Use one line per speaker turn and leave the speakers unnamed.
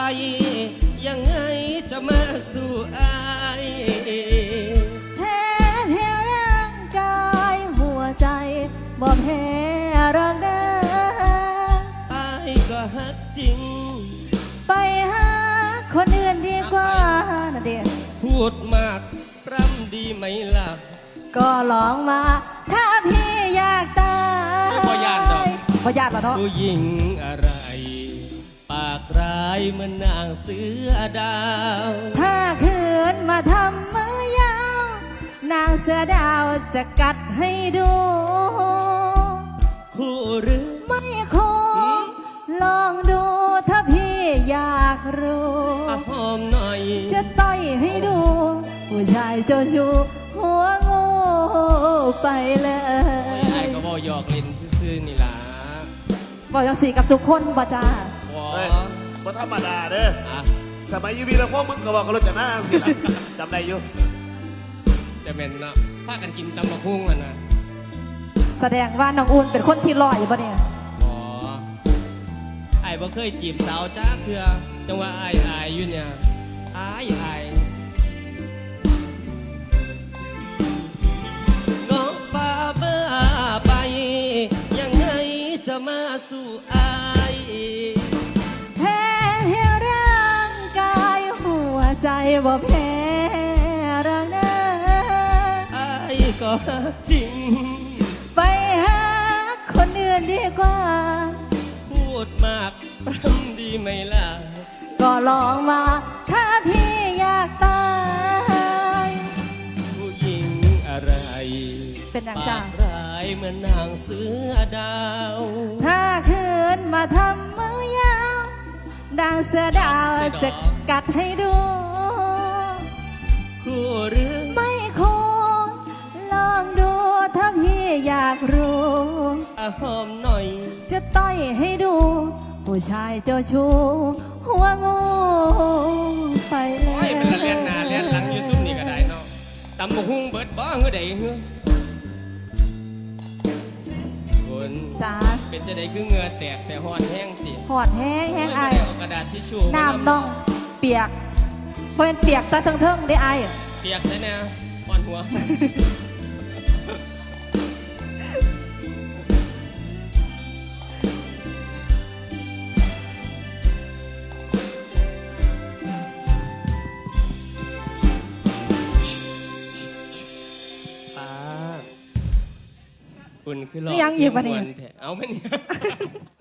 ยังไงจะมาสู่อาย
แพ้ร่างกายหัวใจบ่แพ้รักเด้อ
อายก็ฮักจริง
ไปหาคนอื่นดีกว่านะเดีย
พูดมากปรำดีไหมล่ะ
ก็ลองมาถ้าพี่อยากตาย
พยานดอก
พยานเหรอเนาะ
ผู้หญิงอะไรปากร้ายเหมือนนางเสือดาว
ถ้าคืนมาทำมือยาวนางเสือดาวจะกัดให้ดู
คู่หรือ
ไม่คู่ลองดูถ้าพี่อยากรู้
หอมหน่อย
จะต่อยให้ดูผู้ชายเจ้าชู้หัวงูไปเลย
ไอ้ก็บอกหยอกเล่นซื่อๆนี่ล่ะ
บอกอย่างสีกับทุกคนบ่จ้า
บ่ธรรมดาเด้อสมัยยูวีแล้วพวกมึงก็บอกกันรถจะหน้าสิล่ะจำได้อยู่
จะเป็นเนาะพากันกินตำบักหุ่งนะ
แสดงว่าน้องอุ่นเป็นคนที่ลอยป่ะเนี่ย
ไอ้บ่เคยจีบสาวจ้าเถื่อจังว่าไอ้อยู่เนี่ยไอ้น้องป่าเบ้อไปยังไงจะมาสู่ไอ้
แพ้ร่างกายหัวใจบ่แพ้รักเด้อ
ไอ้ก็จริง
ไปหาคนอื่นดีกว่า
พูดมากปรำดีไหมล่ะ
ก็ลองมาถ้าพี่อยากตาย
ผู้หญิงอะไร
เป็นอย่างจ้า
ร้ายเหมือนนางเสือดาว
ถ้าคืนมาทำมือยาวดังเสือดาวจะกัดให้ดู
คู่หรือ
ไม่คู่ลองดูถ้าพี่อยากรู้
หอมหน่อย
จะต่อยให้ดูผู้ชายเจ้าชู้หัวงูไปเลย
เป็นเลียนหน้าเลียนหลังอยู่ซุ่มนี่ก็ได้เนาะตำบักหุ่งเบิดบ้าเงื่อใดเงื่อคน
จ้า
เป็นจะได้คือเงื่อแตกแต่หอดแห้งสิ
หอดแห้งไอก
ระดาษทิชชู่
น้ำต้องเปียกเพราะเป็นเปียกตาเทิงได้ไอ
เปียกเลยเนี่ยหอนหัวคุณคือหลอก
ยังอยู่ปะเนี่ย
เอาไหมเนี่ย